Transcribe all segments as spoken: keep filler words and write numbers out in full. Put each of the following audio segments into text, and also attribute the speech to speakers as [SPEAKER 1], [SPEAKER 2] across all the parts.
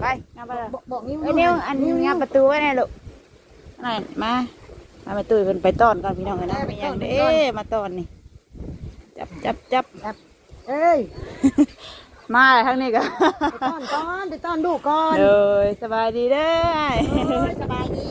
[SPEAKER 1] ไปงับไปเลยบอกนิ้วนิ้วอันงับประตูไว้ไงลูกนั่นมามาประตูเพิ่นไปต้อนก่อนพี่น้องเลยนะไม่ยังเด้มาต้อนนี่จับจับจับจับเอ้ยมาทางนี้ก็ไปต้อนก่อนไปต้อนดูก่อนเลยสบายดีเด้อสบายดี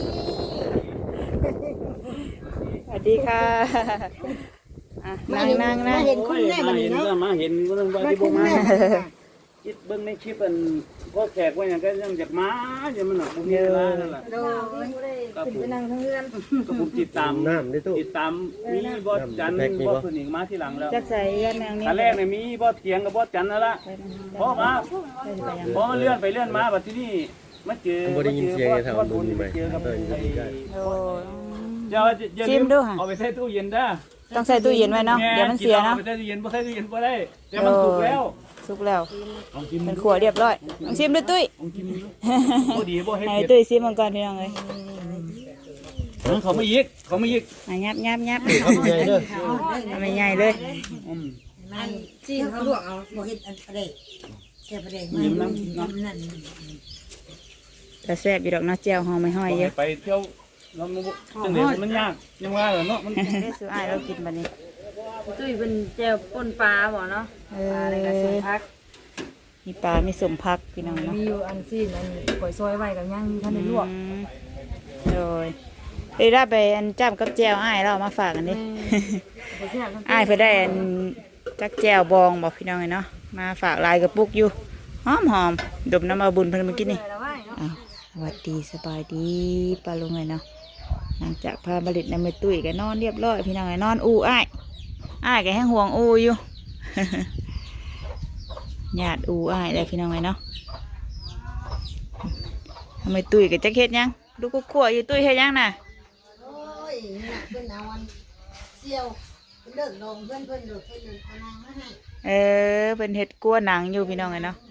[SPEAKER 1] สวัสดีค่ะนั่งนั่งนั่ง
[SPEAKER 2] เห็นคุณแม่มาเห็นมาเห็นก็ต้องไปที่บ้านคิดเบิ้งในคลิปอันก็แขกว่าอย่างก็ยังจากม้าอย่างมันหนักบุญเยอะนั่นแหละก็ผมนั่งทั้งเรือนก็ผมติดตามติดตามมีบอสจันบอสผู้หญิงมาที่หลังแล้ว
[SPEAKER 1] จะใส่เรือนแนวนี้
[SPEAKER 2] ตอนแรกเนี่ยมีบอสเถียงกับบอสจันนั่นแหละเพราะมาเพราะมันเลื่อนไปเลื่อนมาแบบที่นี่มาเจอมาเจอบอสบุญไปเจอกับไอ้เดี๋ยวชิมดูค่ะเอาไปใส่ตู้เย็นได้
[SPEAKER 1] ต้องใส่ตู้เย็นไว้เนาะเดี๋ยวมันเสียเนาะ
[SPEAKER 2] ใส่ตู้เย็นบ่ใส่ตู้เย็นบ่ได้แต่มันสุกแล้ว
[SPEAKER 1] สุกแล้วเป็นขวดเรียบร้อยลองชิมด้วยตุ้ย
[SPEAKER 2] บ่ดีบ่เฮ็ด
[SPEAKER 1] ให้ตุ้ยชิมมันก่อนพี่น้องเลย
[SPEAKER 2] เขาไม่ยิกเขาไม่ยิก
[SPEAKER 1] ยับยับยับเขาไม่ใหญ่เลยไม่ใหญ่เลย
[SPEAKER 3] ซีเขาลวกเอาบ่เฮ็ดอันอะไรแค่ประเดี๋ยวน้ำน้ำนั่น
[SPEAKER 1] แต่แซ่บอยู่ดอกเนาะแจ่วหอมไม่ห้อยเยอะ
[SPEAKER 2] ไปเที่ยวเราจังเดียวมันยากยังว่าเหรอเนาะมัน
[SPEAKER 1] ได้ซื้ออ้ายเรากินบัดนี้
[SPEAKER 3] ตุ้ยเป็นแจ่วป่นปลาบ่เนาะ
[SPEAKER 1] เออมีปลามีสมพักพี่น้องเนาะ
[SPEAKER 3] มีอยู่อันซีนอันก๋วยซอยไว้กับย่างท่านได้ลวก
[SPEAKER 1] โดยได้รับไปอันจ้ำกับแจ่วอ้ายเรามาฝากกันดิอ้ายเพื่อได้อันจักแจ่วบองบอกพี่น้องเนาะมาฝากลายกระปุกอยู่หอมหอมดมน้ำมาบุญเพิ่นเมื่อกี้นี่สวัสดีสบายดีปลาลุงไงเนาะหลังจากพาบริษในเมตุยกันนอนเรียบร้อยพี่น้องไงนอนอูอ้ายอ้ายแกให้ห่วงอูอยู่หยาดอูอ้ายเลยพี่น้องไงเนาะทำไมตุยกับแจ็คเก็ตยังดูกุ๊กขั่วอยู่ตุยเฮ็ดยังน่ะ
[SPEAKER 3] โอ้ยเนี่ยเพื่อนเอาวันเสี่ยวเพื่อนเดินลงเพื่อนเพื่อนเดินเพื่อนเดินเอานางมาให้
[SPEAKER 1] เออเป็นเห็ดกลัวหนังอยู่พี่น้องไงเนาะ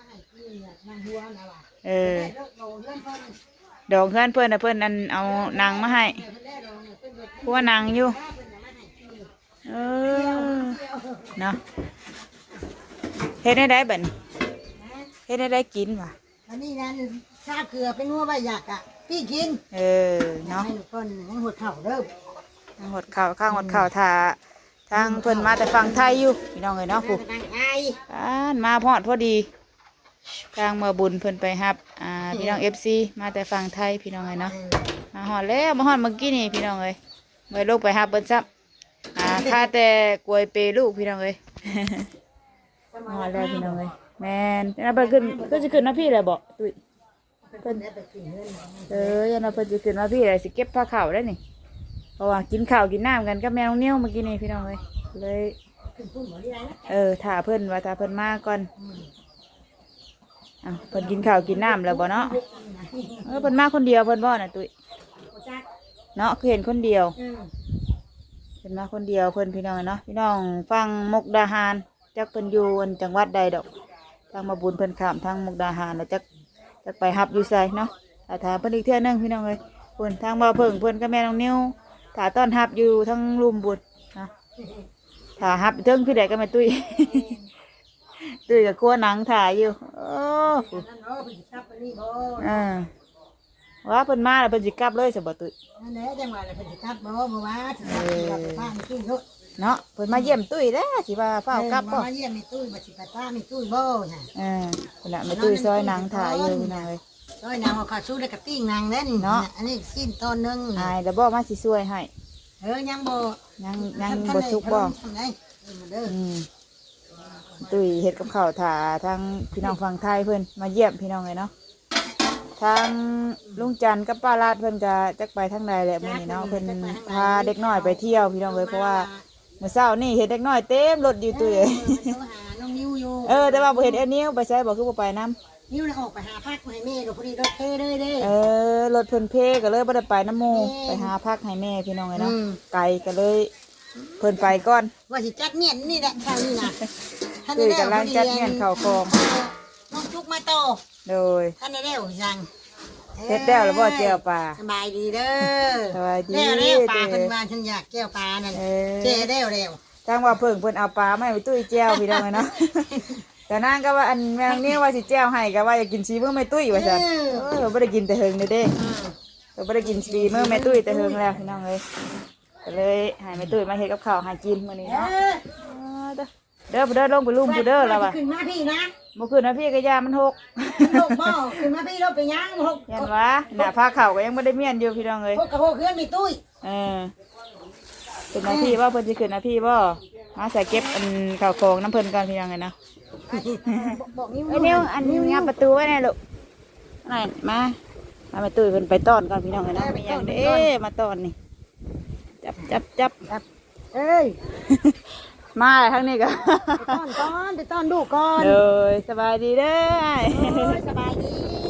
[SPEAKER 1] เออดองเพื่อนเพื่อนนะเพื่อนนั่นเอานางมาให้เพราะว่านางอยู่เออเนาะเฮ็ดได้ได้บัดนี้เฮ็ดได้ได้กินว่ะ
[SPEAKER 3] อันนี้นั่นชาเกลือเป็นงัวใบหยักอ่ะพี่กิน
[SPEAKER 1] เออเนาะ
[SPEAKER 3] ให้คนให้หดเข่าเริ่ม
[SPEAKER 1] หดเข่าข้างหดเข่าทาทางเพื่อนมาแต่ฝั่งไทยอยู่พี่น้องเลยเนาะครูอ่านมาพอดพอดีทางมาบุญเพื่อนไปครับอ่าพี่น้องเอฟซีมาแต่ฝั่งไทยพี่น้องเลยเนาะมาหอดแล้วมาหอดเมื่อกี้นี่พี่น้องเลยเมื่อลูกไปฮับเปิ้ลซับอ่าค่าแต่กล้วยเปลูกพี่น้องเลยหอดแล้วพี่น้องเลยแมนแล้วไปขึ้นก็จะขึ้นนะพี่เลยบอกตุ้ยเพิ่นเออยันเราเพิ่นจะขึ้นนะพี่เลยสิเก็บผ้าขาวได้นี่เพราะว่ากินข้าวกินน้ำกันกับแมวเนี้ยเมื่อกี้นี่พี่น้องเลยเลยเออถ่าเพิ่นว่าถ่าเพิ่นมาก่อนอ่ะเพิ่นกินข้าวกินน้ำแล้วบ่เนาะเออเพิ่นมาคนเดียวเพิ่นบ่น่ะตุ้ยเนาะคือเห็นคนเดียวเพิ่นมาคนเดียวเพิ่นพี่น้องเนาะพี่น้องฟังมุกดาหารจักเพิ่นอยู่จังหวัดใดดอกทางมาบุญเพิ่นข้ามทางมุกดาหารแล้วจักจักไปฮับอยู่ไสเนาะถ้าถามเพิ่นอีกเทื่อนึงพี่น้องเลยเพิ่นทางบ่าวเพิ่งเพิ่นกับแม่น้องนิ้วถ้าต้อนฮับอยู่ทั้งลุมบุญนะถ้าฮับเทิงพี่ใดก็แม่ตุ้ยตุ้ยกับกลัวหนังถ่ายอยู่โอ้อ่าว่าเพิ่นมาแล้วเพิ่นสิกลับเลยสิบ่ตุ้ย
[SPEAKER 3] นั่นแหละจังหวะเพิ่นสิกลับบ่บ่ว่าสิกลับบ้านตุ้ยเนาะ
[SPEAKER 1] เนาะเพิ่นมาเยี่ยมตุ้ยเด้อสิว่าเฝ้ากลับบ่
[SPEAKER 3] มาเยี่ยมแม่ตุ้ยบ่สิไปป้าแม่ตุ้ยบ่ค่ะ
[SPEAKER 1] เออพุ่นน่ะแม่ตุ้ยซอยหนังถ่ายอยู่นั่นเลย
[SPEAKER 3] ซอยหนังเอาข้าวสู้ได้กับปิ้งนางเล่นเนาะอันนี้สิ้นตอนนึง
[SPEAKER 1] อายแล้วบ่มาสิช่วยให้
[SPEAKER 3] เออยังบ่
[SPEAKER 1] ยังยังบ่สุกบ่อืมตุ้ยเฮ็ดกับข้าวถ่าทางพี่น้องฝั่งไทยเพิ่นมาเยี่ยมพี่น้องเลยเนาะทางลุงจันกับป้าลาดเพิ่นก็จักไปทางใดแหละมื้อนี้เนาะเพิ่นพาเด็กน้อยไปเที่ยวพี่น้องเลยเพราะว่าเมื่อเช้านี่เห็นเด็กน้อยเต็มรถอยู่ตุ้ยเออแต่ว่าบ่เห็นเอ็นนิ้วไปใช้บ่คือบ่ไปนำ
[SPEAKER 3] นิ้วออกไปหาพักให้แม่พอดีรถเพเลยเด้
[SPEAKER 1] เออรถเพิ่นเพก็เลยบ่ได้ไปน้ำหมู่ไปหาพักให้แม่พี่น้องเลยเนาะไกลก็เลยเพิ่นไปก่อน
[SPEAKER 3] ว่าสิจัดเมียนนี่แหละทางนี้นะ
[SPEAKER 1] ตุ้ยกำลังจัดเมียนเข้าคลอง
[SPEAKER 3] น้องจุกมาโต
[SPEAKER 1] โดย
[SPEAKER 3] ท่านได้เร็วจัง
[SPEAKER 1] เฮ็ดแล้วหรือบ่แจ่วปลา
[SPEAKER 3] สบายดีเด้อ
[SPEAKER 1] สบายดี
[SPEAKER 3] แล้วแล้วปลาเพิ่นว่าฉันอยากแก้วปลานั่นเจ๊แล้วแล้ว
[SPEAKER 1] ทางว่าเพิ่งเพิ่นเอาปลามาให้ตุ้ยแจ่วพี่น้องเนาะแต่นางก็ว่าอันแมงนี่ว่าสิแจ้วให้ก็ว่าอยากกินชีมื้อแม่ตุ้ยว่าซั่นเออบ่ได้กินแต่เฮิงเด้อเด้เราบ่ได้กินชีมื้อแม่ตุ้ยแต่เฮิงแล้วพี่น้องเอ้ยก็เลยให้แม่ตุ้ยมาเฮ็ดกับข้าวให้กินมื้อนี้
[SPEAKER 3] เอ
[SPEAKER 1] เนาะ
[SPEAKER 3] อ
[SPEAKER 1] เด้อเด้อเด้อลงไปลุมกูเด้อแล้วว่ะ
[SPEAKER 3] ขึ้นมาพี่นะ
[SPEAKER 1] บ่คืนนะพี่ก็ยามันหก
[SPEAKER 3] ลูกบ่ขึ้นมาพี่เราไปย่างหก
[SPEAKER 1] ยันว่าหน้าผ้าขาวก็ยังบ่ได้เมียนอยู่พี่น้องเอ้ย
[SPEAKER 3] หกกับหกเพื่อนมีตุ้ย
[SPEAKER 1] เออเป็นหน้าที่ว่าเพิ่นสิขึ้นหน้าที่บ่มาใส่เก็บอันข้าวของน้ำเพิ่นก่อนพี่น้องเอ้ยเนาะ
[SPEAKER 3] บอกนิ้ว
[SPEAKER 1] เอ้ยเดี๋ยวอันนี้งับประตูไว้แน่ลูกนั่นมามาไปตุ้ยเพิ่นไปต้อนก่อนพี่น้องเอ้ยเนาะมีหยังเด้มาต้อนนี่จับจับจับจับ
[SPEAKER 3] เอ้ย
[SPEAKER 1] มาเลยทั้งนี้ก็
[SPEAKER 3] ไปต้อนก่อนไปต้อนดูก่อน
[SPEAKER 1] เลยสบายดีเด้อ
[SPEAKER 3] โอ้ยสบายดี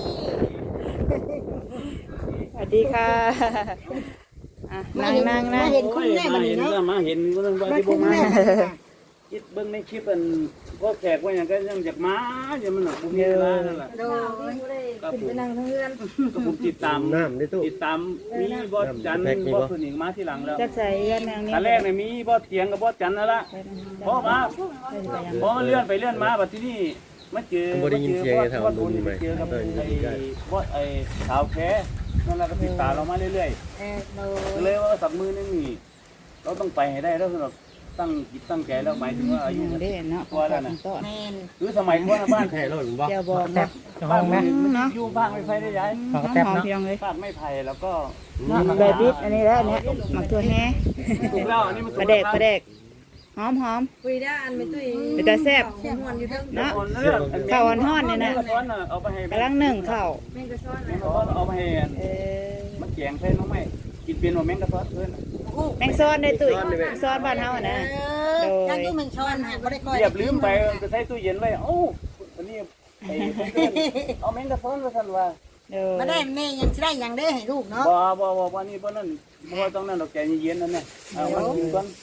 [SPEAKER 1] สวัสดีค่ะอ่ะนั่งนั่งนั่ง
[SPEAKER 3] เห็นคุณแม่
[SPEAKER 2] มา
[SPEAKER 3] มัน
[SPEAKER 2] เห็น
[SPEAKER 3] เนาะ
[SPEAKER 2] แล้วมาเห็นก็ต้องว่า
[SPEAKER 3] มา
[SPEAKER 2] ที่
[SPEAKER 3] คุ
[SPEAKER 2] บ่
[SPEAKER 3] ณ
[SPEAKER 2] มา
[SPEAKER 3] แม่มัน
[SPEAKER 2] คิดเบิ่งในคลิปอันพ่อแขกว่าอย่างก็ยังจากมาอย่ามันหนักบุญเวลานั่นแหละ
[SPEAKER 3] โดย
[SPEAKER 2] ก็ผม
[SPEAKER 3] ไปนั่งทั้งเรือน
[SPEAKER 2] ก็ผมติดตาม
[SPEAKER 4] น้ำในตู้
[SPEAKER 2] ติดตามมีบอสจันทร์บอสคนอีกมาที่หลังแล้ว
[SPEAKER 1] จักใส่เงินนางนี้
[SPEAKER 2] ตอนแรกเนี่ยมีบอสเถียงกับบอสจันทร์นั่นละเพราะว่าเพราะมันเลื่อนไปเลื่อนมาบัดที่นี่มาเจอ
[SPEAKER 4] บ่ได้ยินเสียงไอ้แถว
[SPEAKER 2] บอส
[SPEAKER 4] นู้
[SPEAKER 2] บุ
[SPEAKER 4] น
[SPEAKER 2] ญ
[SPEAKER 4] ไหม
[SPEAKER 2] เจอกับ
[SPEAKER 4] เออ
[SPEAKER 2] ไอ้
[SPEAKER 4] ยินได้
[SPEAKER 2] บอสไอ้สาวแค่นั่นแหละก็ติดตามเรามาเรื่อย
[SPEAKER 3] เออโด
[SPEAKER 2] ๆก็
[SPEAKER 3] ย
[SPEAKER 2] เลยว่าสักมือนึงนี่เราต้องไปให้ได้แล้วสำหรับตั้งจิตตั้งใจแล้วหมายถึงว่าอายุ
[SPEAKER 1] เด้เนาะ
[SPEAKER 2] กว่าแล้วนะ
[SPEAKER 1] ต้อน
[SPEAKER 3] แมน
[SPEAKER 2] หรือสมัยก่อนนะบ้าน
[SPEAKER 4] แท้รถบ่
[SPEAKER 1] เจ้าบอกนะ
[SPEAKER 2] บ้านมันอยู่บ้านไม่ไฟได้ย้าย
[SPEAKER 1] หอมหอมเพียงเลย
[SPEAKER 2] บ้านไม่ไผ่แล้วก็
[SPEAKER 1] ใบบิดอันนี้แล้วอันเนี้ยหมักตัวแฮ่
[SPEAKER 2] ถูกแล้วอันนี้มัน
[SPEAKER 1] ปลาแดกปลาแดกหอมหอม
[SPEAKER 3] คุยได้อันไม่ตุ้ย
[SPEAKER 1] ไปตาแซ่บ
[SPEAKER 3] เสียงหวนอยู่ทั้ง
[SPEAKER 1] เนาะ
[SPEAKER 2] ข้า
[SPEAKER 1] ข้าว ว
[SPEAKER 2] อ่
[SPEAKER 1] อ่อนๆเนี่ยนะ
[SPEAKER 2] เอาไปให้
[SPEAKER 1] กำลังหนึ่งข้าว
[SPEAKER 3] แม่งกระซ้อน
[SPEAKER 2] แมงกะพรอนเอาไปให้
[SPEAKER 1] เออ
[SPEAKER 2] มันแกงใส่น้องไม่กินเป็นว่าแมงกะพรอนเพื่อน
[SPEAKER 1] แมงซ้อนได้ตุ้ยแมงซ้อนบ้านเฮาอะนะ
[SPEAKER 3] เออยังอยู่แมงช้อนฮะบ่ได้ก้อย
[SPEAKER 2] เรียบลืมไปจะใส่ตู้เย็นไว้โอ้อันนี้ไอ้เพื่อนเอาแมงกะพรอนมาสั่นว่า
[SPEAKER 1] เด้อ
[SPEAKER 3] มาได้แม่ยังสิได้ยังได้ให้ลูกเนาะ
[SPEAKER 2] บ่บ่บ่วันนี้บ่นั่นบ่ต้องนั่นดอกแกเย็นๆนั่นน่ะเอามากินก่อน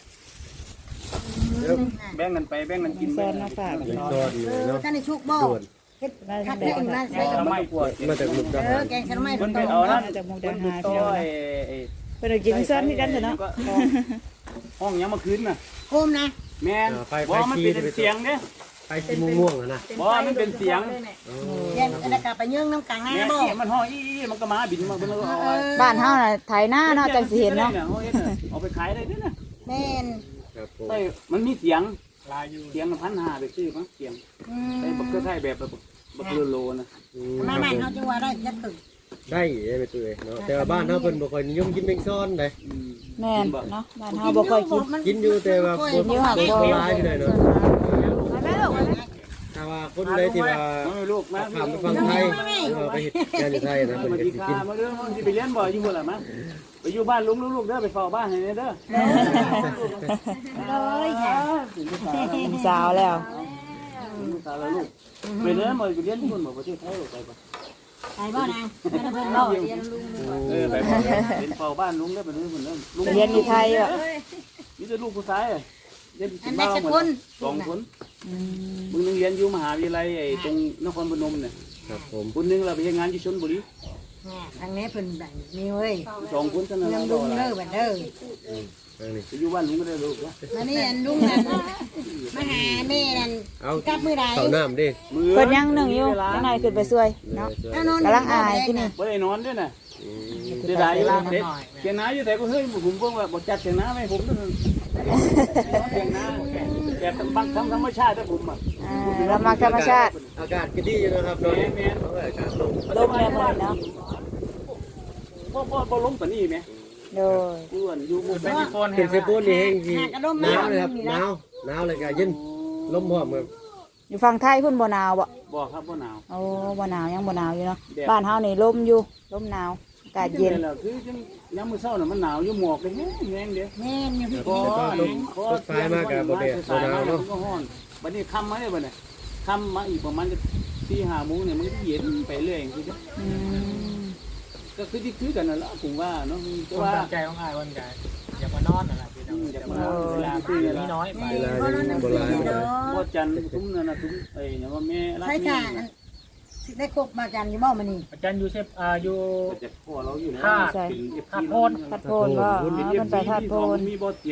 [SPEAKER 2] แบ่งกันไปแบ่งกันกิน
[SPEAKER 1] ซ้อนมาฝาก
[SPEAKER 4] ยัง
[SPEAKER 1] เนาะ
[SPEAKER 4] ซอดอยู่
[SPEAKER 3] เออ
[SPEAKER 4] เนาะ
[SPEAKER 3] ท่านในชุกบ่
[SPEAKER 4] ด่วน
[SPEAKER 3] เฮ็ด
[SPEAKER 1] ได้
[SPEAKER 3] คัด
[SPEAKER 1] ได้
[SPEAKER 3] ได้
[SPEAKER 1] ได้
[SPEAKER 3] นั่น
[SPEAKER 2] แก
[SPEAKER 3] ใส่
[SPEAKER 2] งไม่ปวด
[SPEAKER 4] มาจากมุกดา
[SPEAKER 3] เอ
[SPEAKER 4] หา
[SPEAKER 3] อ
[SPEAKER 4] ร
[SPEAKER 3] แกงขนมไม้
[SPEAKER 2] มัน
[SPEAKER 3] ต
[SPEAKER 2] ไป
[SPEAKER 3] รง
[SPEAKER 2] เอานั่น
[SPEAKER 1] จากมุก
[SPEAKER 2] มั
[SPEAKER 1] ดาน
[SPEAKER 2] อยู่
[SPEAKER 1] หาร
[SPEAKER 2] ต่
[SPEAKER 1] พี่
[SPEAKER 2] อ
[SPEAKER 1] น้อง
[SPEAKER 2] ไอ้
[SPEAKER 1] เพิ่นเอากินซ้อนที่กันเถอะเนาะ
[SPEAKER 2] ห้องยังมาคืนน่ะ
[SPEAKER 3] โคมนะ
[SPEAKER 2] แม่นบ่มันเป็นเสียงเด้
[SPEAKER 4] ไปสีม่วงๆอ่ะนะ
[SPEAKER 2] บ่มันเป็นเสียง
[SPEAKER 3] เย็นอันนั้นก็ไปยื่งน้ำกลางหน้า
[SPEAKER 2] แม่
[SPEAKER 3] บ่
[SPEAKER 2] นี่มันห้องอีมันก็มาบินมาเพิ่นก็เอา
[SPEAKER 1] บ้านเฮาน่ะไถนาเนาะจังสิเห็นเนาะ
[SPEAKER 2] เอาไปขายได้ด้วยนะ
[SPEAKER 3] แม่น
[SPEAKER 4] ครับผม
[SPEAKER 2] ใช่มันมีเสียงลายอยู่เสียงพันห้าไปซื้อมั้งเสียง
[SPEAKER 3] อืม
[SPEAKER 2] ใส่บักเกอร์ไทยแบบบักโลโลนะ
[SPEAKER 4] อืม
[SPEAKER 3] มาใหม่เขาจะว่าได้ยัดตึก
[SPEAKER 4] ได้ได้ไปตัวเองเนาะแต่ว่าบ้านเฮาเพิ่นบ่ค่อยนิยมกินแมงซ่อนเด้
[SPEAKER 1] แม่นเนาะบ้านเฮาบ่ค่อยกิน
[SPEAKER 4] กินอยู่แต่ว่าบ่
[SPEAKER 1] กินอยู่หักบ่
[SPEAKER 4] บ่หลายพี่น้อยเนาะ
[SPEAKER 1] ไปแม่ลูกไปแม่
[SPEAKER 4] ถ้าว่าคนใดที่ว่า
[SPEAKER 2] มาลูกมา
[SPEAKER 4] ข้ามไปฟังไทยหรือว่าไปเฮ็ดงานอยู่ไทยนะเพิ่น
[SPEAKER 2] มา
[SPEAKER 4] ก็
[SPEAKER 2] ดี
[SPEAKER 4] สิ
[SPEAKER 2] คา
[SPEAKER 4] กิน
[SPEAKER 2] มาเด้อมันสิไปเลี้ยงบ่อยู่บ่ล่ะมั้ไปอยู่บ้านลุงลูกเด้อไปเฝ้าบ้านให้เด้อ
[SPEAKER 3] เลยค่ะ
[SPEAKER 1] เป็นสาวแล้ว
[SPEAKER 2] ตาละลูกไปเด้อมาไปเลี้ยงคนบ่ประเทศไทยไปบ่
[SPEAKER 3] ไปบ่นางไม่ได้เพิ่นบ่เรียนลุง
[SPEAKER 2] เออไปบ่เป็นเฝ้าบ้านลุงเด้อไปเด้อเพิ่นเด้อลุง
[SPEAKER 1] เรียนอยู่ไทยอ่ะ
[SPEAKER 2] มีแต่ลูกผู้ชายเรียน
[SPEAKER 3] อัน
[SPEAKER 2] บ้
[SPEAKER 3] ได้
[SPEAKER 2] า
[SPEAKER 3] สัก
[SPEAKER 2] หม
[SPEAKER 3] ค
[SPEAKER 2] ด
[SPEAKER 3] น
[SPEAKER 2] สองคน
[SPEAKER 1] อืม
[SPEAKER 2] มึงนึงเรียนอยู่มหาวิทยาลัยไอ้ตรงนครพนมเนี่ย
[SPEAKER 4] ครับผม
[SPEAKER 2] คนนึงเราไปทำงานที่ชลบุรี
[SPEAKER 3] ทางนี้เพิ่นได้มีเว้ย
[SPEAKER 2] สองคนเท่านั้น
[SPEAKER 3] เรื่อง
[SPEAKER 2] เรา
[SPEAKER 3] ลุงเด้อบัดเด้อ
[SPEAKER 4] อืมทางนี้
[SPEAKER 2] ไปอยู่บ้านลุงก็ได้ลูกวะ
[SPEAKER 3] มานี่อันลุงนั่นมาหาแม่นั่น
[SPEAKER 4] เอา
[SPEAKER 3] กลับมื้อใด
[SPEAKER 4] ข้าวน้ำดิ
[SPEAKER 2] มือ
[SPEAKER 1] เพิ่นยังหนึ่งอยู่จังไดขึ้นไปช่วยเนาะ
[SPEAKER 3] เอานอน
[SPEAKER 1] กำลังอายที่นี่
[SPEAKER 2] ไม่ได้นอนด้วยนะ
[SPEAKER 4] อืม
[SPEAKER 2] เสียดายอยู่เด็กเสียงน้าอยู่แต่ก็เฮ้ยผมบอกว่าบอกจัดเสียงน้าไหมผมต้องเสียงน้าแต่บางครั้งธรรมชาติถ้าผมอ่ะ
[SPEAKER 1] อ่าเรามาธรรมชาติ
[SPEAKER 4] อากาศก็ดีอยู่นะครับเนาะเอาไว้อากาศลง
[SPEAKER 1] ลมแรงหมดเนาะ
[SPEAKER 2] พ่อพ่อพ่อล้มปนีไหม
[SPEAKER 1] โดย
[SPEAKER 2] อ้วนอยู่มุม
[SPEAKER 4] เป็นเซปูนนี่เองที่หนาวเลยครับหนาวหนาวเลยก็เย็นลมพร้อมครับ
[SPEAKER 1] อยู่ฝั่งไทยเพิ่นบ่หนาวบ่
[SPEAKER 2] บอกครับว่าหนาว
[SPEAKER 1] โอ้บ่หนาวยังบ่หนาวอยู่เนาะบ้านเฮานี่ลมอยู่ลมหนาวอากาศเย็น
[SPEAKER 2] คือยังย้ำมือเศร้าน่ะมันหนาวอยู่หมอกเลยแห้งแห้งเดียว
[SPEAKER 3] แม่นอยู่พี่
[SPEAKER 2] พอ
[SPEAKER 4] ตกไฟมากกับบ่แดดบ่หนาวเนาะ
[SPEAKER 2] ก็ฮ้อนบัดนี้ค่ำมาเนี่ยบัดเนี่ยค่ำมาอีกประมาณจะสี่ห้าโมงเนี่ยมันก็เย็นไปเรื่อยคือ
[SPEAKER 1] อืม
[SPEAKER 2] ก็คือที่คือกันนั่นแหละผมว่าเนาะแต่
[SPEAKER 5] ความ
[SPEAKER 2] ว่า
[SPEAKER 5] ตั้งใจของอายวันกันอยากมานอนนั่นแหละพี่น้องอยากมานอนเวลาพี่นี่น้อยไป
[SPEAKER 4] เวลายังโบราณนะ
[SPEAKER 2] พ่อจันทร์ตุ้มนั่นน่ะตุ้มไอ้เนี่ยว่าแม่รัก
[SPEAKER 3] ใช่
[SPEAKER 2] นี่
[SPEAKER 3] ค่ะสิได้ครบมากันอยู่บ่มื้อนี้
[SPEAKER 5] อาจารย์ยูเซฟอ่าอยู่
[SPEAKER 2] ก็จะพ่อเราอยู่แล้ว
[SPEAKER 5] ธาตุ
[SPEAKER 2] เป็น
[SPEAKER 5] ธาตุโพน
[SPEAKER 1] พัดโพนว่าอ๋อเพิ่นไปธาตุโพน
[SPEAKER 2] มีบ่เตียงกับ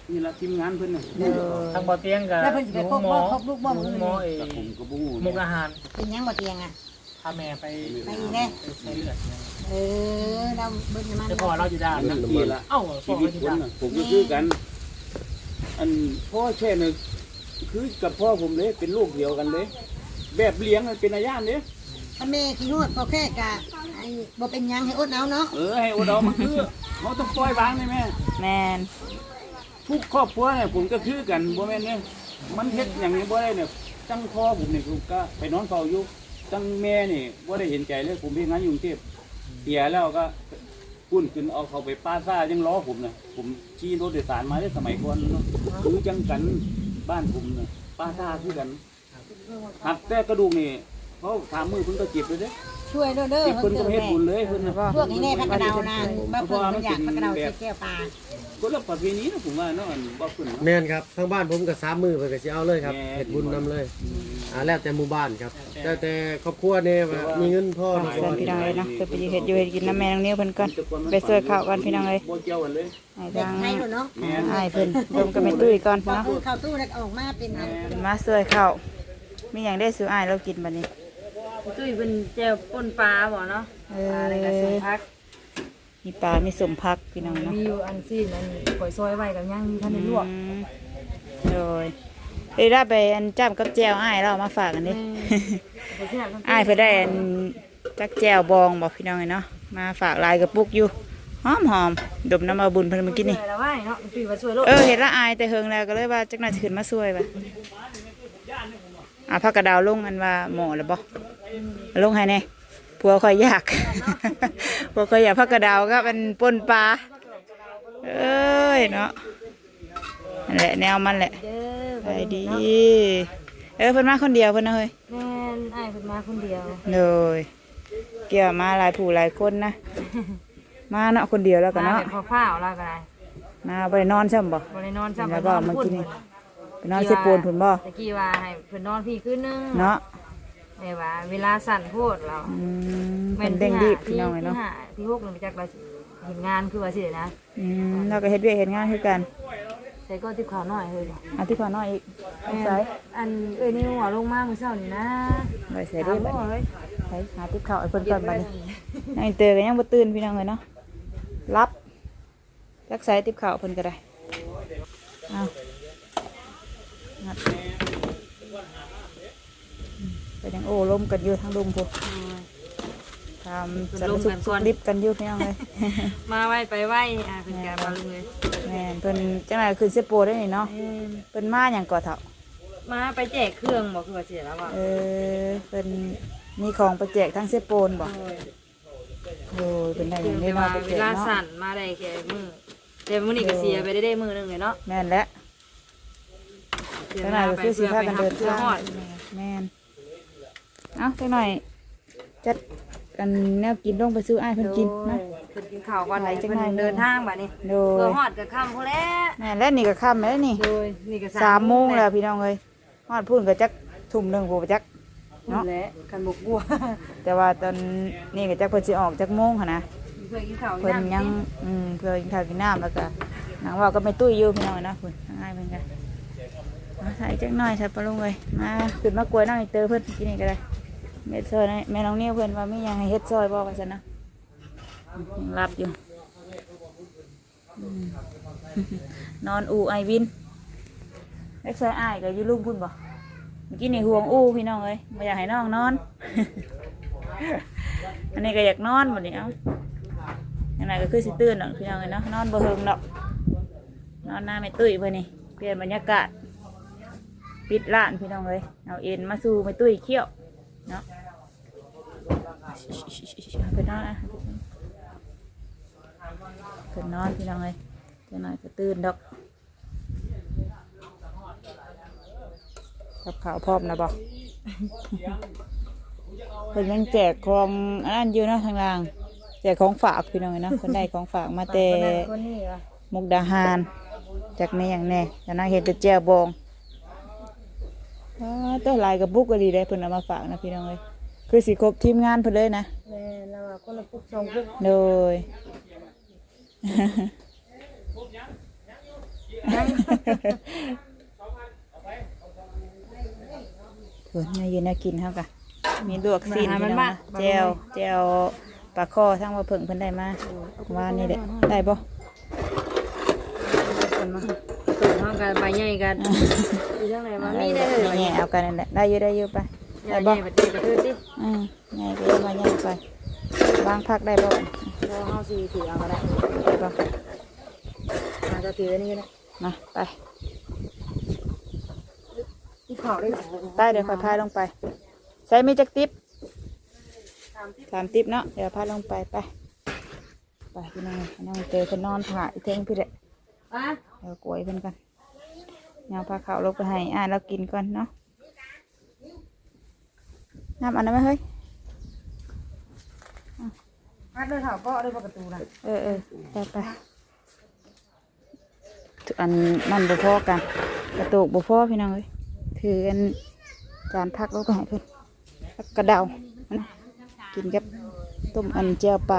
[SPEAKER 2] นี่ละทีมงานเพิ่นน่ะ
[SPEAKER 1] เด้อ
[SPEAKER 5] ทางบ่อเตียงกับ
[SPEAKER 3] แล้วเพิ่นสิไปครบ
[SPEAKER 5] หม
[SPEAKER 3] บ่
[SPEAKER 5] อ
[SPEAKER 3] ครบลูกบ่
[SPEAKER 5] ห
[SPEAKER 3] มื้อ
[SPEAKER 5] หมอ
[SPEAKER 3] นี้
[SPEAKER 5] เอ
[SPEAKER 2] แต่ผมก็บ่ฮู้
[SPEAKER 5] มุกอาหาร
[SPEAKER 3] เป็นหยังบ่เตียงอ่ะ
[SPEAKER 5] พาแม่ไป
[SPEAKER 3] ไปอีกแน่
[SPEAKER 5] ไปใช้เลือด
[SPEAKER 3] เออเราเบิ่งมัน
[SPEAKER 5] แต่พ่อเราอยู่ด้าน
[SPEAKER 2] นักทีละ
[SPEAKER 5] เอ้าพ่
[SPEAKER 2] ชี
[SPEAKER 5] อ
[SPEAKER 2] วิ
[SPEAKER 5] เรา
[SPEAKER 2] ต
[SPEAKER 5] อยู่
[SPEAKER 2] คน
[SPEAKER 5] ด้าน
[SPEAKER 2] น่ะผมก็คือกัน อันพ่อแช่เนี่ยคือกับพ่อผมเลยเป็นลูกเดียวกันเลย แบบเลี้ยงมันเป็นอาญาเนี่ย
[SPEAKER 3] ถ้าแม่ขี้นวดพอแค่กะไอ้บ่เป็นหยังให้อดเอาเนาะ
[SPEAKER 2] เออให้โอดอมันคือเขาต้องปล่อยวางเลยแม่
[SPEAKER 1] แม่น
[SPEAKER 2] ทุกครอบครัวเนี่ยผมก็คือกันบ่แม่นเนี่ยมันเฮ็ดอย่างนี้บ่ได้เนี่ยตั้งพ่อผมเนี่ยผมก็ไปนอนเฝ้าอยู่ตั้งแม่นี่บ่ได้เห็นใจเลยผมเฮ็ดงานอยู่กรุงเทพเสียแล้วก็พุ่นขึ้นเอาเขาไปป้าซ่ายังล้อผมน่ะผมขี่รถโดยสารมาได้สมัยก่อนเนาะคือจังกันบ้านผมน่ะป้าซ่าคือกันหักแต่กระดูกนี่เขาถามมือเพิ่นก็เจ็บเลยเด้
[SPEAKER 3] ช่วยเด้อเด้อ
[SPEAKER 2] เจ็บ
[SPEAKER 3] เพิ่
[SPEAKER 2] เพิ่
[SPEAKER 3] น
[SPEAKER 2] น
[SPEAKER 3] เกิ
[SPEAKER 2] ก็
[SPEAKER 3] ด
[SPEAKER 2] เฮ็ด
[SPEAKER 3] แม่
[SPEAKER 2] บุญเลยเพิ่นน่ะ
[SPEAKER 3] พวกนี้แน่พักกระดาวนานบ่เพิ่นมันอยากพักกระดาวใส่แก้วปลา
[SPEAKER 2] คนละประเพณีนะผมว่าเนาะอันบ่เพิ่นเนาะ
[SPEAKER 4] แม่นครับทางบ้านผมก็สามมือเพิ่นก็สิเอาเลยครับ
[SPEAKER 2] แม่น
[SPEAKER 4] เฮ็ดบุญนำเลยอ่าแล้วแต่หมู่บ้านครับแล้วแต่ครอบครัวเนี่ยว่ามีเงินพอหรือ
[SPEAKER 1] ส่
[SPEAKER 4] บ่
[SPEAKER 1] วนพี่น้องเลยเนาะเพิ่นไปอยู่เฮ็ดอยู่เฮ็ดกินน้ำแม่น้องนิ้วเพิ่นก่อนไปช่วยข้าวกันพี่น้องเลย
[SPEAKER 2] บ่เกี่ยวกันเลย
[SPEAKER 1] ให้
[SPEAKER 3] เด็ก
[SPEAKER 1] ทาง
[SPEAKER 3] ไทยเนาะ
[SPEAKER 2] แม่น
[SPEAKER 1] ให้เพิ่นรวมกับแม่ตุ้ยก่อน
[SPEAKER 3] พอ
[SPEAKER 1] เนาะ
[SPEAKER 3] เพิ่นเข้าตู้แล้วก็ออกมาเป็นอัน
[SPEAKER 1] เพิ่นมาช่วยข้าวมีหยังได้ซื้ออ้ายเรากินบัดนี้
[SPEAKER 6] ตุ้ยเป็นเจลป่นปลาบ่เนาะ
[SPEAKER 1] เอ
[SPEAKER 6] ปลา
[SPEAKER 1] อ
[SPEAKER 6] อะไรก็สมพัก
[SPEAKER 1] มีปลา มีสมพักพี่น้องเนาะ
[SPEAKER 6] มีอยู่อันซีนอันก๋วยซอยไว้กับย่างมีท่านได้ลวก
[SPEAKER 1] อืมโดยเอ้ยได้ไปอันจ้ำกับแจวอ้ายเราเอามาฝากกันดิ
[SPEAKER 6] ไปเสียบ
[SPEAKER 1] อ้ายเพิ่นได้อันจักแจวบองบอกพี่น้องเลยเนาะมาฝากลายกระปุกอยู่หอมหอมๆดมน้ำมาบุญเพิ่นเมื่อกี้นี่
[SPEAKER 6] แล้วว่าเนาะตุ้ยว่าช่วยโลก
[SPEAKER 1] เออเห็นละอายแต่เฮิงแล้วก็เลยว่าจักหน่อยสิขึ้นมาช่วยว่ะอ่ะพักกระดาวลงอันว่าหมอแล้วบ่ลงให้แน่ผัวคอยอยาก ผัวคอยอยากพักกระดาวก็เป็นปนปลาเอ้ยเนาะนั่นแหละแนวมันแหละ
[SPEAKER 6] เด้อ
[SPEAKER 1] ไปดี เออเพิ่นมาคนเดียวเพิ่นนะเฮ้ย
[SPEAKER 6] แม่นอ้ายเพิ่นมาคนเดียว
[SPEAKER 1] เลยเกี่ยวมาหลายผู้หลายคนนะ มาเนาะคนเดียวแล้วกัน
[SPEAKER 6] มา
[SPEAKER 1] เนาะ
[SPEAKER 6] แบบพาวๆแล้วก็ได้
[SPEAKER 1] มาบ่ได้นอนใช่บ่
[SPEAKER 6] บ่ได้นอนซ้ำ
[SPEAKER 1] แล้ว
[SPEAKER 6] ไป
[SPEAKER 1] บ่
[SPEAKER 6] นอน
[SPEAKER 1] เมื่อ
[SPEAKER 6] พุ่น
[SPEAKER 1] กี้นี่ไปนอนสิปูนพุ่นบ่
[SPEAKER 6] ตะกี้ว่าให้เพิ่นนอนพี่คืนนึง
[SPEAKER 1] เนาะ
[SPEAKER 6] แม่ว่าเวลาสั่นโพดเรา
[SPEAKER 1] อืมเพิ่นเด้งดีบพี่น้องเลยเนาะ
[SPEAKER 6] ที่ห้าที่หกนึงไปจักเราเห็นงานคือว่าสินะ
[SPEAKER 1] อืมเราก็เฮ็ดเวียกเฮ็ดงานคือกัน
[SPEAKER 6] ใส่ก็ติบข้าวน้อยเฮ้ยบ่
[SPEAKER 1] อาทิตย์ก่อนน้อยอีกเอา
[SPEAKER 6] แม่น
[SPEAKER 1] ใส่
[SPEAKER 6] อันเอ้ยนี่หัวลงมามื้อเช้านี่นะ
[SPEAKER 1] ไว้ใส่ได้บัด
[SPEAKER 6] ถาม
[SPEAKER 1] นี้
[SPEAKER 6] ว่าเฮ้ย
[SPEAKER 1] ใส่หาติ๊บข้าวไอ้เพิ่นก่อนบัดนี้นายเตอร์ก็ยังบ่ตื่นพี่น้องเลยเนาะรับจักใส่ติ๊บข้าวเพิ่นก็ได้เอางัดอืมก็ยังโอ้ล้มกันอยู่ทางลุมพุ่นทำสารสุขสุขดิบกันอยู่พี่น้องเลย
[SPEAKER 6] มาไว้ไปไว้อ่ะเป็นการมาลุงเลย
[SPEAKER 1] แม่นเพิ่นจังได๋คือเซโปได้นี่เนาะเพิ่นมาหยังก่อเฒ่า
[SPEAKER 6] มาไปแจกเครื่องบอกคือว่าเสียแล้วอ่ะ
[SPEAKER 1] เออเป็นมีของประแจกทั้งเซโปนบ่โอ้ยเป็นได้อ
[SPEAKER 6] คื
[SPEAKER 1] ย่า
[SPEAKER 6] อง
[SPEAKER 1] นี้
[SPEAKER 6] แต่ว่า
[SPEAKER 1] เนาะประ
[SPEAKER 6] เว
[SPEAKER 1] แจก
[SPEAKER 6] ลา
[SPEAKER 1] เนาะ
[SPEAKER 6] สั่นมาได้แค่มือแต่มื้อนี้ก็เสียไปได้ได้มือหนึงเลยเนาะ
[SPEAKER 1] แม่นแล้ว
[SPEAKER 6] เสีย
[SPEAKER 1] จังไหน
[SPEAKER 6] มา
[SPEAKER 1] ก็
[SPEAKER 6] ไป
[SPEAKER 1] คือสิ
[SPEAKER 6] เพื่อ
[SPEAKER 1] พา
[SPEAKER 6] ไป
[SPEAKER 1] กัน
[SPEAKER 6] หั
[SPEAKER 1] เดิ
[SPEAKER 6] บ
[SPEAKER 1] น
[SPEAKER 6] เพื่อ
[SPEAKER 1] ทาง
[SPEAKER 6] ฮอด
[SPEAKER 1] แม่นเอ้าจังหน่อยจัดกันแนวกินลงไปซื้ออ้ายเพิ่นกินนะ
[SPEAKER 6] เพิ่นกินข้าวก่อนไหน
[SPEAKER 1] จัง
[SPEAKER 6] เพิ่
[SPEAKER 1] ไหน
[SPEAKER 6] นเดินทางบัดนี้
[SPEAKER 1] โด
[SPEAKER 6] เพื่อย ฮอดก็ค่ำพุ่นแล้ว
[SPEAKER 1] แม่นแล้วนี่ก็ค่ำแล้วนี่
[SPEAKER 6] โดยนี่ก็
[SPEAKER 1] สามโมงแล้วพี่น้องเอ้ยฮอดพุ่นก็จักทุ่มหนึงบ่จัก
[SPEAKER 6] เนาะแหละกันบกบัว
[SPEAKER 1] แต่ว่าตอนนี้ก็จักเพิ่นสิออกจักโมงหั่นนะ
[SPEAKER 6] เพื่อกินข้าว
[SPEAKER 1] เพิ่นยังอืมเพื่อกินข้าวกินน้ำแล้วก็นางว่าก็ไม่ตุ้ยอยู่พี่น้องนะเพิ่นง่ายเพิ่นกันมาใส่จักหน่อยใส่ปลาลงเลยมาขึ้นมากล้วยน้องอีเตอเพิ่นกินนี่ก็ได้เม็ดซอยนี่แม่น้องเนี่ยเพิ่นว่ามีหยังให้เฮ็ดซอยบ่ว่าซั่นนะยังรับอยู่อืม นอนอูไอวินเล็กซอยอ้ายก็อยู่ลุมพุ่นบ่เมื่อกี้นี่ห่วงอูพี่น้องเอ้ยบ่อยากให้น้องนอน อันนี้ก็อยากนอนบัดนี้เอ้า อย่างไรก็คือสิตื่นดอกพี่น้องเอ้ยเนาะนอนบ่เฮิงดอกนอนหน้าไม่ตุ้ยเพื่อนนี่เปลี่ยนบรรยากาศปิดร้านพี่น้องเลยเอาเอ็นมาสู่ไม่ตุ้ยเขี้ยวเนาะเพิ่นนอนนะเพิ่นนอนพี่น้องเลยจังหน่อยก็ตื่นดอกกับข่าวพร้อมนะบอก เพิ่นยังแจกของอันนั้นอยู่เนาะทางล่างแจกของฝากพี่น้องเอ้ยเนาะคนได้ของฝากมาแต่
[SPEAKER 6] คนนั้นคนนี้อ่ะ
[SPEAKER 1] มุกดาหารจากแม่อย่างแน่แต่นางเห็ดแต่แจ่วบองอ๋อตัวลายกับบุกก็ดีได้เพิ่นเอามาฝากนะพี่น้องเอ้ยคือสิครบทีมงานเพิ่นเลยนะ
[SPEAKER 6] แม่เราอะคนละปุ๊กสองปุ๊ก
[SPEAKER 1] โดยเพิ่นมาอยู่น่ากินเฮากะมีลวกซีนพี่น้องนะแจวแจวปลาคอทั้งว่าเพิ่งเพิ่นได้มาว่านี่แหละได้บ่
[SPEAKER 6] กันมาตุ่มห้องกันใบใหญ่กันอยู่ทางไหนมามีได้เลย
[SPEAKER 1] แง่เอากันนั่นแหละได้อยู่ได้อยู่ไป
[SPEAKER 6] ใหญ่
[SPEAKER 1] ได้
[SPEAKER 6] ให
[SPEAKER 1] บ่
[SPEAKER 6] ญ่แบบเด็กกระทืบดิ
[SPEAKER 1] อืมแง่ก็มาแง่ไปวางพักได้บ่
[SPEAKER 6] พอเฮาสีถือเอาก็ได้
[SPEAKER 1] ได้บ่
[SPEAKER 6] มาจะถืออันนี้ก็ได้
[SPEAKER 1] มาไป
[SPEAKER 6] ที่เขาได้
[SPEAKER 1] ใต้เดี๋ยวค่อยพายลงไป ใช้มีจักติ๊บสามติ๊บเนาะเดี๋ยวพายลงไปไปไปพี่น้องน้องเจอคนนอนถ่ายเท่งพี่เด็ก
[SPEAKER 6] ป้า
[SPEAKER 1] เดี๋ยวกล้วยเพิ่นกันเอาพาข้าวลงไปให้อ่านเรากินก่อนเนาะน้ำอันนั้นไหมเฮ้ย
[SPEAKER 6] ป้าเดินเถาเกาะด้วยประตูน่ะ
[SPEAKER 1] เออเออไปไปอันนั่นบุพอกันกระตุกบุพอพี่น้องเอ้ยถืออันจานพักแล้วก็ให้เพิ่นแล้วกระเดานะกินกับต้มอันเจียวปลา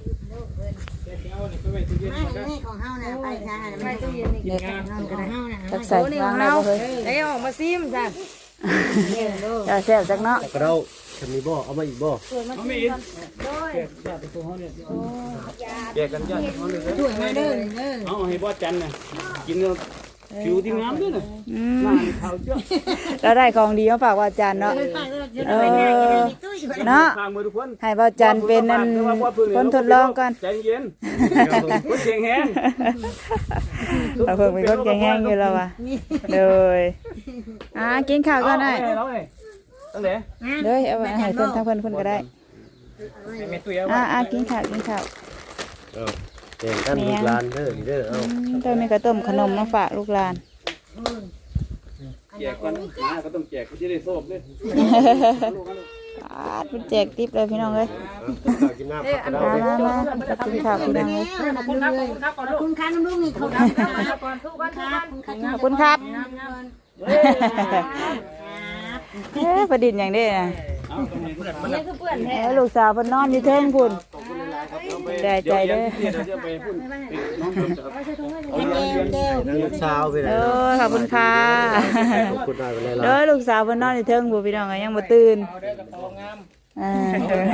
[SPEAKER 3] ไม่ไม่ของเฮาน่ะไปทางน่ะ
[SPEAKER 6] ไม่
[SPEAKER 3] ไม่
[SPEAKER 6] ตู้เย็นนี่
[SPEAKER 1] เนี่ย
[SPEAKER 3] ของเฮาน่ะ
[SPEAKER 1] ตักใส่วางได้บ่เฮ้ย
[SPEAKER 6] ได้ออกมาซิมจ้ะ
[SPEAKER 1] จะแซ่บจักเนาะ
[SPEAKER 4] กระเดาฉันมีบ่เอามาอีกบ่
[SPEAKER 2] เขาไม่อินแยกญาติตัวเขาเนี่ยแยกกันญาติเขาเลย
[SPEAKER 3] ช่วยมาเด้อเด้อ
[SPEAKER 2] เอาให้บ่จันน่ะกินแล้วผิวที่งามด้วยน่ะ
[SPEAKER 1] อื
[SPEAKER 2] หน้าม นี่ขาวเจ้า
[SPEAKER 1] เราได้ของดีมาฝากว่าจานเนาะเออเนาะ
[SPEAKER 2] ข้างมือทุกคน
[SPEAKER 1] ให้บ่จันเป็นนั่นคนทดลองก่อน
[SPEAKER 2] ใจเย็นคนเก่งแฮง
[SPEAKER 1] เราเพิ่งเป็นคนแข็งแรงอยู่แล้วว่ะเลยอ่ากินข้าวก่อนได้
[SPEAKER 2] เอาไงตั้งแต่
[SPEAKER 1] เลยเอาไว้ให้เพิ่นทั้งเพิ่นเพิ่นก็ได้
[SPEAKER 5] แม่ตุ้ยเอา
[SPEAKER 1] อ่าอ่ากินข้าวกินข้าว
[SPEAKER 4] เออเก่งกันลูกหลานเด้อนี่เด้อเอา
[SPEAKER 1] อืมตอนนี้ก็ต้มขนมมาฝากลูกหลาน
[SPEAKER 2] แจกกันมาก็ต้องแจกก็จะได้โซ่ด้วย
[SPEAKER 1] อ่าเพิ่นแจกติ๊บเลยพี่น้องเอ้ย
[SPEAKER 4] เอากินน้ำผักกระเดา
[SPEAKER 1] มา
[SPEAKER 4] ดิ
[SPEAKER 1] มามาจะกินข้าวพี่น้องเอ้ย
[SPEAKER 3] ขอบคุณครับขอบคุณครับน้ำลูกนี่ขอบคุณครับขอบคุณครับ
[SPEAKER 1] ขอบคุณครับเอ้ยประดิษฐ์อย่างนี้นะ
[SPEAKER 2] เอาตรงนี้เพื่อนมัน
[SPEAKER 6] นี่คือเปื่อนแท้
[SPEAKER 1] เอ้ยลูกสาวเพิ่นนอนอยู่เทิงพุ่น ใจใจเด้อ
[SPEAKER 2] เดี๋ยวจะไปพูดน้องเพิ่มจะเอาเรียน
[SPEAKER 3] แก้ว
[SPEAKER 4] ลูกสาวไปไหน
[SPEAKER 1] เออขอบคุณค่ะ
[SPEAKER 4] ขอบคุณได้ไปเลย
[SPEAKER 1] เด้
[SPEAKER 4] ล่ะ
[SPEAKER 1] อลูกสาวเพิ่นนอนอยู่เทิงพุ่นพี่น้องเอ้ยยังบ่ตื่น
[SPEAKER 5] เอาได้กระเป๋างาม
[SPEAKER 1] อ่า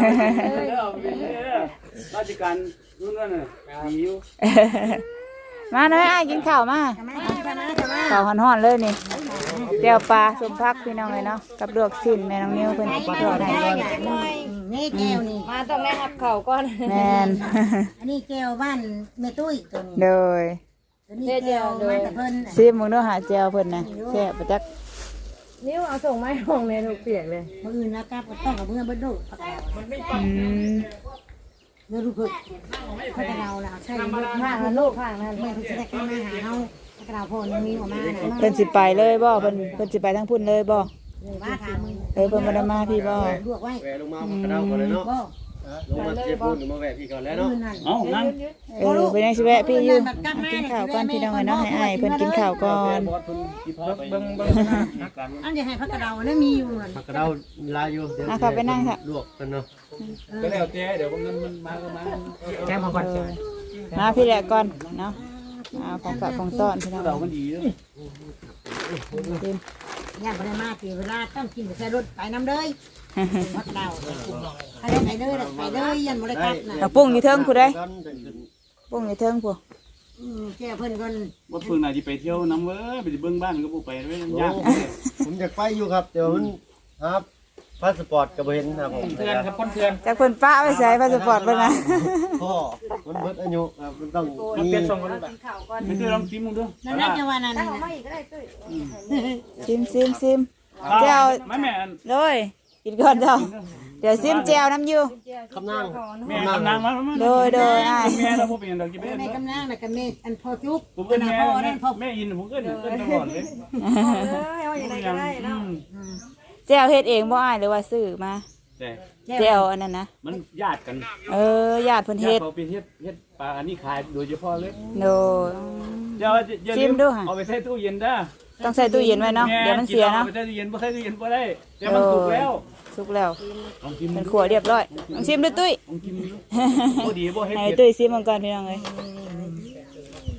[SPEAKER 2] ราชการนู่นนั่นน่ะดีอยู่
[SPEAKER 1] มาเลยอ้ายกินข้าวมาข้าวฮ้อนๆเลยนี่แก้วปลาสมพักพี่น้องเลยเนาะกับลวกสิ้นแม่น้องนิ้วเพิ่นทอดให้ก่อน
[SPEAKER 3] นี่แก้วนี่
[SPEAKER 6] มาต้องได้รับเข่าก่อน
[SPEAKER 1] แม่น
[SPEAKER 3] อันนี้แก้วบ้านแม่ตุ้ยตัวนี้
[SPEAKER 1] โดย
[SPEAKER 3] ตัวนี้แก้วมาแต่เพิ่น
[SPEAKER 1] ซิมมึงเด้อหาแจวเพิ่นน่ะแซ่บบ่จัก
[SPEAKER 6] นิ้วเอาส่งไม้ห้องเลยถูกเปียกเลย
[SPEAKER 3] คนอื่นนะครับต้องกับเมื่อเบิดดูผักกาด
[SPEAKER 1] อืม
[SPEAKER 3] เดี๋ยวรู้เพิ่นผักกาดเราล่ะใช่
[SPEAKER 6] ผ่านลูกผ่านนั่น
[SPEAKER 3] แม่เพิ่นจะได้เข้ามาหาเฮาผักกาดพอยังมีออกมาน่ะ
[SPEAKER 1] เพิ่นสิไปเลยบ่เพิ่นเพิ่นสิไปทางพุ่นเลยบ่
[SPEAKER 3] ว่าถามมึง
[SPEAKER 1] เออเพิ่นบ่ได้มาพี่บ่
[SPEAKER 3] ลวกไว้
[SPEAKER 4] แหวลงมาผักกระเดาก่อนเลยเนาะ
[SPEAKER 3] บ่
[SPEAKER 4] ลงมาเจ็บปูนหรือมาแหวพี่ก่อนแล้วเนาะ
[SPEAKER 3] อื่นนั่น
[SPEAKER 2] เอานั่ง
[SPEAKER 1] เออเพิ่นยังสิแวะพี่อยู่อ่ะกินข้าวก่อนพี่น้องเอ้ยเนาะให้อ้ายเพิ่นกินข้าวก่อน
[SPEAKER 2] บอสเพิ่นที่พาไป
[SPEAKER 5] เบิ่งเบิ่งนะ
[SPEAKER 3] อันจะให้ผักกาดเรานั่นมีอยู่นั่น
[SPEAKER 4] ผักกระเดาลายอยู่เดี๋ยว
[SPEAKER 1] อ่ะเข้าไปนั่งค่ะ
[SPEAKER 4] ลวกกันเนาะ
[SPEAKER 2] ก็แล้วแต่เดี๋ยวมันมันมาก็มา
[SPEAKER 5] แก้มมาก่อน
[SPEAKER 1] เออมาพี่แหละก่อนเนาะเอาของฝากของต้อนพี่น้อง
[SPEAKER 2] เรา
[SPEAKER 1] เอ้ย
[SPEAKER 2] มันดีด้วย
[SPEAKER 1] กิน
[SPEAKER 3] ย่านบ่ได้มาที่เวลาต้องกินใส่รถไปน้ำเลยผักกาดเราถ้าได้ไปเลยไปเลยยันบ่ได้กลับน่ะ
[SPEAKER 1] เอาปุ้งอยู่เทิงผู้ใด
[SPEAKER 4] กันจะขึ้น
[SPEAKER 1] ปุ้งอยู่เทิงผู้
[SPEAKER 3] อืมแก้เพิ่นก่อน
[SPEAKER 2] ว่าเพิ่งน่าจะไปเที่ยวน้ำเว้ยไปเบิ่งบ้านก็บ่ไปเว้ย
[SPEAKER 4] โอ้
[SPEAKER 2] ยาก
[SPEAKER 4] ผมอยากไปอยู่ครับแต่ว่ามันครับพาสปอร์ตก็บ่เห็นครับผม
[SPEAKER 5] เพื่อนครับคนเพื่อน
[SPEAKER 1] จากเพิ่นป้าไว้ใส่พาสปอร์ตเพิ่นน่ะ
[SPEAKER 4] พ่อมันเบิดอายุครับมันต้อง
[SPEAKER 5] มัน
[SPEAKER 4] มี
[SPEAKER 5] เปลี่ยนส่งกันแบบ
[SPEAKER 6] ข่าวก่อน
[SPEAKER 2] ไม่เคยลองชิมมึงด้วย
[SPEAKER 3] นั่นน่าจะว่านั่น
[SPEAKER 6] ตั้ง
[SPEAKER 3] น่ะ
[SPEAKER 6] ออกมาอีกก็ได้ตุ้ย
[SPEAKER 1] ซิมซิมซิมแจว
[SPEAKER 2] ไม่แม่
[SPEAKER 1] เลยกินก่อนเจ้าเดี๋ยวซิมแจวน้ำอยู่
[SPEAKER 4] คำนั่ง
[SPEAKER 2] แม่กำลังมา
[SPEAKER 1] โดยโดยอ้าย
[SPEAKER 2] แม่เราบ่เป็นดอกจิ
[SPEAKER 3] แม่
[SPEAKER 2] เป็น
[SPEAKER 3] แม่กำลังน่ะกับแม่อันพอจุ๊บ
[SPEAKER 2] ผมก็
[SPEAKER 3] อันน่ะ
[SPEAKER 2] แม่
[SPEAKER 3] พ่อนั่นพ่อ
[SPEAKER 2] แม่อินผมก็เอิ้นตลอดเลย
[SPEAKER 6] เออเอาอย่างไรก็ได้เนาะ
[SPEAKER 1] แจวเฮ็ดเองบ่อ้ายหรือว่าซื้อมา
[SPEAKER 2] แต่
[SPEAKER 1] แจวอันนั้นนะ
[SPEAKER 2] มันญาติกัน
[SPEAKER 1] เออญาติเพิ่นเฮ็ด
[SPEAKER 2] เขาไปเฮ็ดเฮ็ดปลาอันนี้ขายโดยเฉพาะเลย
[SPEAKER 1] โดย
[SPEAKER 2] เดี๋ยวอย่า
[SPEAKER 1] ชิ
[SPEAKER 2] ลื
[SPEAKER 1] ม
[SPEAKER 2] ม
[SPEAKER 1] ดูค่ะ
[SPEAKER 2] เอาไปใส่ตู้เย็นด้า
[SPEAKER 1] ต้องใส่ตู้เย็นไว้เนาะเดี๋ยวมันเสียเนาะ
[SPEAKER 2] ไปใส่ตู้เย็นบ่ใส่ตู้เย็นบ่ได้แต่มันสุกแล้ว
[SPEAKER 1] สุกแล้ว
[SPEAKER 2] ลองชิม
[SPEAKER 1] เป็นขัวเรียบร้อยลองชิมดูตุ้ย
[SPEAKER 2] ลองชิมดูบ่ดีบ่เฮ็ด
[SPEAKER 1] ให้
[SPEAKER 2] เผ็ด
[SPEAKER 1] ตุ้ยชิมมันก่อนพี่น้องเอ้ย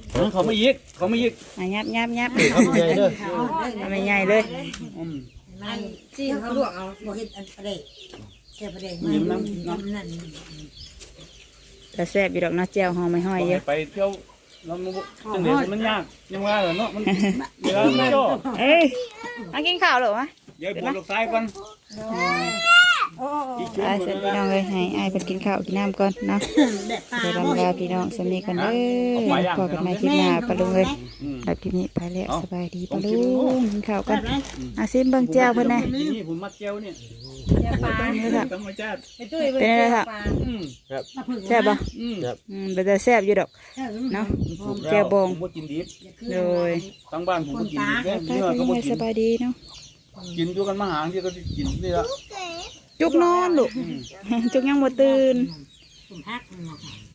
[SPEAKER 2] เขาไม่ยิกเขาไม่ยิก
[SPEAKER 1] อ่ะยับยับยับ
[SPEAKER 4] ทำใหญ่เด้อ
[SPEAKER 1] ทำใหญ่เลย
[SPEAKER 2] อืม
[SPEAKER 3] ไม่ซีนเขาลวกเอาบ่เฮ็ดอันประเดกแค่ประเดกไม่น้ำน้ำนั่น
[SPEAKER 1] แต่แซ่บอยู่ดอกเนาะแจ่วหอมไม่ห้อยเยอะ
[SPEAKER 2] ไปเที่ยวเราจังเดียวมันยากยังว่าเหรอเนาะมันเวลาไม่จ่อ
[SPEAKER 1] เอ้ยมากินข้าวเหรอวะ
[SPEAKER 2] เดี๋ยวบนลูกซ้ายก่อน
[SPEAKER 3] โอ้
[SPEAKER 2] อีกชุด
[SPEAKER 1] อ่า
[SPEAKER 2] ห
[SPEAKER 1] เสร็
[SPEAKER 2] นึ่
[SPEAKER 1] จ
[SPEAKER 2] ง
[SPEAKER 1] พี่น้องเลยให้อ้ายเพิ่นกินข้าวกินน้ำก่อนเนาะ
[SPEAKER 3] แบบปลา
[SPEAKER 1] เดี๋ยวลำลาพี่น้องสำนีกันเด้อพอกันใหม่คลิปหน้าปะลุงเลยแบบคลิปนี้ไปแล้วสบายดีปะลุงกินข้าวกันอาซิมเบิ่งแจ่วเพิ่นแน่
[SPEAKER 2] นี่ผมมัดเจียวเนี่ย
[SPEAKER 6] เดี๋ยวปลา
[SPEAKER 2] ธรรมชาติ
[SPEAKER 6] ไปตุ้ยไปเจอปลา
[SPEAKER 2] อืม
[SPEAKER 1] แซ่บบ่
[SPEAKER 2] อืม
[SPEAKER 1] อืมเป็นแต่แซ่บอยู่ดอกเนาะ แก้วบอง
[SPEAKER 2] ผมก็กินดิบ
[SPEAKER 1] โดย
[SPEAKER 2] ทั้งบ้านผมก็กินดิบเนี่ย
[SPEAKER 1] ไป
[SPEAKER 2] เนื้อ
[SPEAKER 1] เป็น
[SPEAKER 2] ก็
[SPEAKER 1] ยัง
[SPEAKER 2] บ่
[SPEAKER 1] ไง
[SPEAKER 2] กิ
[SPEAKER 1] ส
[SPEAKER 2] น
[SPEAKER 1] บายดีเนาะ
[SPEAKER 2] กินอยู่กันมาหางที่ก็กินนี่ละ
[SPEAKER 1] จุกนอนลูกจุกยังบ่ตื่น
[SPEAKER 3] ผมพัก